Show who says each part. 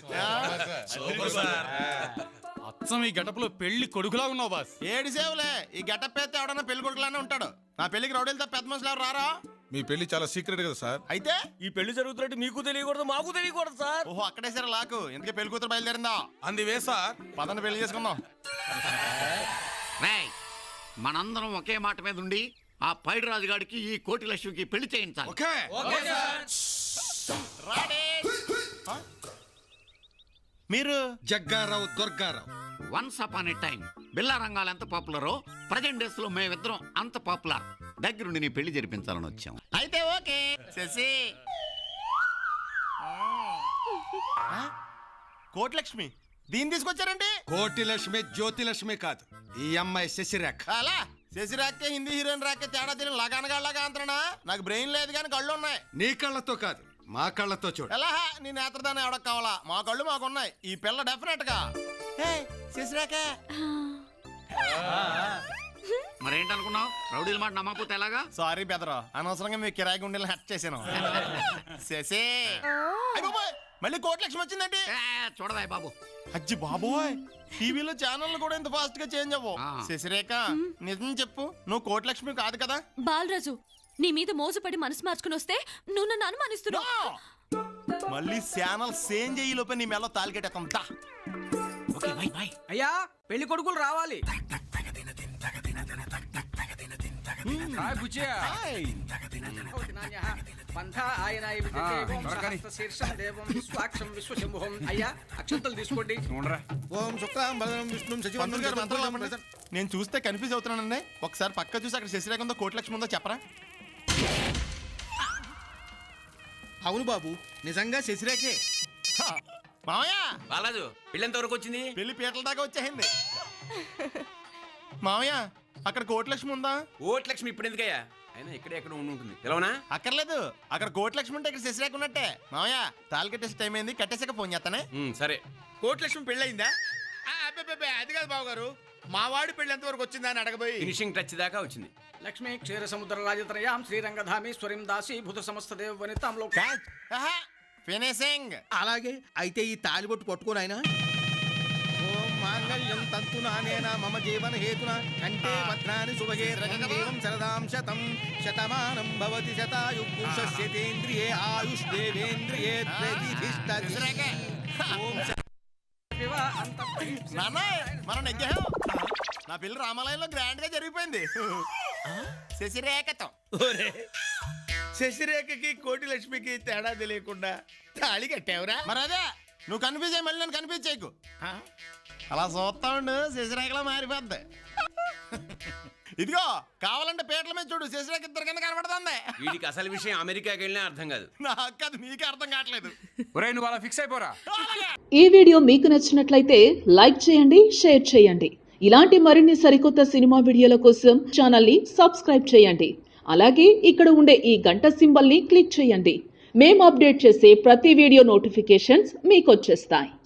Speaker 1: అచ్చం ఈ గెటప్లో పెళ్లి కొడుకులా ఉన్నావు బాస్.
Speaker 2: ఏడు సేవులే, ఈ గెటప్ అయితే ఎవడన్నా పెళ్లి కొడుకులానే ఉంటాడు. నా పెళ్లికి రౌడీలతో పెద్ద మనుషులు ఎవరు రారా?
Speaker 3: మీ పెళ్లి చాలా సీక్రెట్ కదా సార్.
Speaker 2: అయితే
Speaker 4: ఈ పెళ్లి జరుగుతున్నట్టు మీకు తెలియకూడదు, మాకు తెలియకూడదు సార్.
Speaker 2: ఓహో, అక్కడే సరే లాకు. ఎందుకే పెళ్లి కూతురు బయలుదేరిందా?
Speaker 3: అందువే సార్.
Speaker 2: పదండి పెళ్లి చేసుకుందాం.
Speaker 5: మనందరం ఒకే మాట మీద ఉండి ఆ పైడి రాజుగాడికి ఈ కోటి లక్ష్మికి పెళ్లి చేయించాలి.
Speaker 2: మీరు
Speaker 6: Jaggarao Durgarao.
Speaker 5: Once upon a time Billa రంగాలు ఎంత పాపులరో ప్రజెంట్ డేస్ లో మేమిద్దరం అంత పాపులర్. దగ్గరుండి నీ పెళ్లి జరిపించాలని వచ్చాం.
Speaker 2: అయితే ఓకే. శశి కోటిలక్ష్మి దీన్ని తీసుకొచ్చారండి?
Speaker 6: కోటి లక్ష్మి జ్యోతి లక్ష్మి కాదు, ఈ అమ్మాయి శశిరేఖ.
Speaker 2: అలా శశిరేఖ హిందీ హీరోయిన్ రాకే తేడా తిని లగానగాళ్ళగా అంతనా? నాకు బ్రెయిన్ లేదు కానీ కళ్ళు ఉన్నాయి.
Speaker 6: నీ కళ్ళతో కాదు, మా కళ్ళతో చూడు.
Speaker 2: ఎలా నీ నేత్రదానం ఎవడకు కావాలా? మా కళ్ళు మాకున్నాయి. ఈ పిల్ల డెఫినెట్ గా శశిరేఖ.
Speaker 5: మరేంటనుకున్నావు? రౌడీల మాట నమ్మకపోతే ఎలాగా?
Speaker 2: సారీ బెదరా, అనవసరంగా మీ కిరాయి గుండెలు హట్ చేశాను. శశి మళ్ళీ కోటిలక్ష్మి వచ్చిందండి.
Speaker 5: చూడదాయి బాబు.
Speaker 2: అజ్జి బాబోయ్, టీవీలో ఛానల్ కూడా ఇంత ఫాస్ట్ గా చేంజ్ అవ్వవు. శశిరేఖ నిజం చెప్పు, నువ్వు కోటిలక్ష్మి కాదు కదా?
Speaker 7: బాలరాజు, నీ మీద మోసపడి మనసు మార్చుకుని వస్తే నువ్వు నన్ను అనుమానిస్తున్నావు.
Speaker 2: మళ్ళీ ఛానల్ సేంజ్ అయ్యి లోపే నీ మెల్ల తాలికెట్టేస్తాం.
Speaker 4: అయ్యా పెళ్లి కొడుకులు రావాలి. అయ్యా అక్షంతలు తీసుకోండి.
Speaker 2: నేను చూస్తే కన్ఫ్యూజ్ అవుతున్నానండి. ఒకసారి పక్క చూసి అక్కడ శశిరేఖ ఉందో కోటిలక్ష్మి ఉందో చెప్పరా?
Speaker 6: అవును బాబు, నిజంగా శశిరేఖే.
Speaker 2: మామయ్య
Speaker 4: బాలాజు పెళ్లి ఎంత వరకు వచ్చింది?
Speaker 2: పెళ్లి పీటల దాకా వచ్చేసింది. మామయ్య అక్కడ కోటిలక్ష్మి ఉందా?
Speaker 4: కోటిలక్ష్మి ఇప్పుడు ఎందుకయ్యా? అయినా ఇక్కడ ఎక్కడ ఉంటుంది తెలవనా?
Speaker 2: అక్కర్లేదు, అక్కడ కోటిలక్ష్మి ఉంటే ఇక్కడ శశిరేఖ ఉన్నట్టే. మామయ్య తాళి కట్టేసి టైం అయింది, కట్టేసాక ఫోన్ చేస్తానే.
Speaker 4: సరే.
Speaker 1: కోటిలక్ష్మి పెళ్ళయిందా? అది కాదు బాబు గారు, మా వాడి పెళ్లి ఎంతవరకు వచ్చిందా అని అడగబోయి.
Speaker 4: ఫినిషింగ్ టచ్ దాకా వచ్చింది.
Speaker 8: లక్ష్మీ క్షీర సముద్ర రాజత్రయాం శ్రీరంగధామేశ్వరిం దాసి భూత సమస్త దేవ వనితాంలో
Speaker 2: ఫినిషింగ్.
Speaker 6: అలాగే అయితే ఈ తాలిబొట్టు పట్టుకోను ఆయన. ఓం మాంగళ్యం తంతునానేన మమ జీవన హేతునా కంటే భద్రాని శుభగే రంగదేవం శరదాం శతం శతమానం భవతి శతాయు పురుషస్యేంద్రియే ఆయుష్దేవేంద్రియే ప్రతిష్ఠితతి. ఓం
Speaker 2: మనం నెగ్గాం. నా పెళ్లి రామాలయంలో గ్రాండ్ గా జరిగిపోయింది శశిరేఖతో.
Speaker 1: శశిరేఖకి కోటి లక్ష్మికి తేడా తెలియకుండా తాళి కట్టావురా?
Speaker 2: మరి అదే నువ్వు కన్ఫ్యూజ్ అయ్యి మళ్ళీ నన్ను కన్ఫ్యూజ్ చేయకు. అలా చూస్తా ఉండు, శశిరేఖలో మారిపోద్ది. ఇదిగో కావాలంటే పేట్ల మీద చూడు, శశిరేఖ ఇద్దరు కింద కనబడుతుంది.
Speaker 4: వీడికి అసలు విషయం అమెరికాకి వెళ్ళినా అర్థం కాదు.
Speaker 2: నాకు అది నీకే అర్థం కావట్లేదు.
Speaker 4: నువ్వు అలా ఫిక్స్ అయిపోరా.
Speaker 9: ఈ వీడియో మీకు నచ్చినట్లయితే లైక్ చేయండి, షేర్ చేయండి. ఇలాంటి మరిన్ని సరికొత్త సినిమా వీడియోల కోసం ఛానల్ ని సబ్స్క్రైబ్ చేయండి. అలాగే ఇక్కడ ఉండే ఈ గంట సింబల్ ని క్లిక్ చేయండి. మేము అప్డేట్ చేసే ప్రతి వీడియో నోటిఫికేషన్స్ మీకు వచ్చేస్తాయి.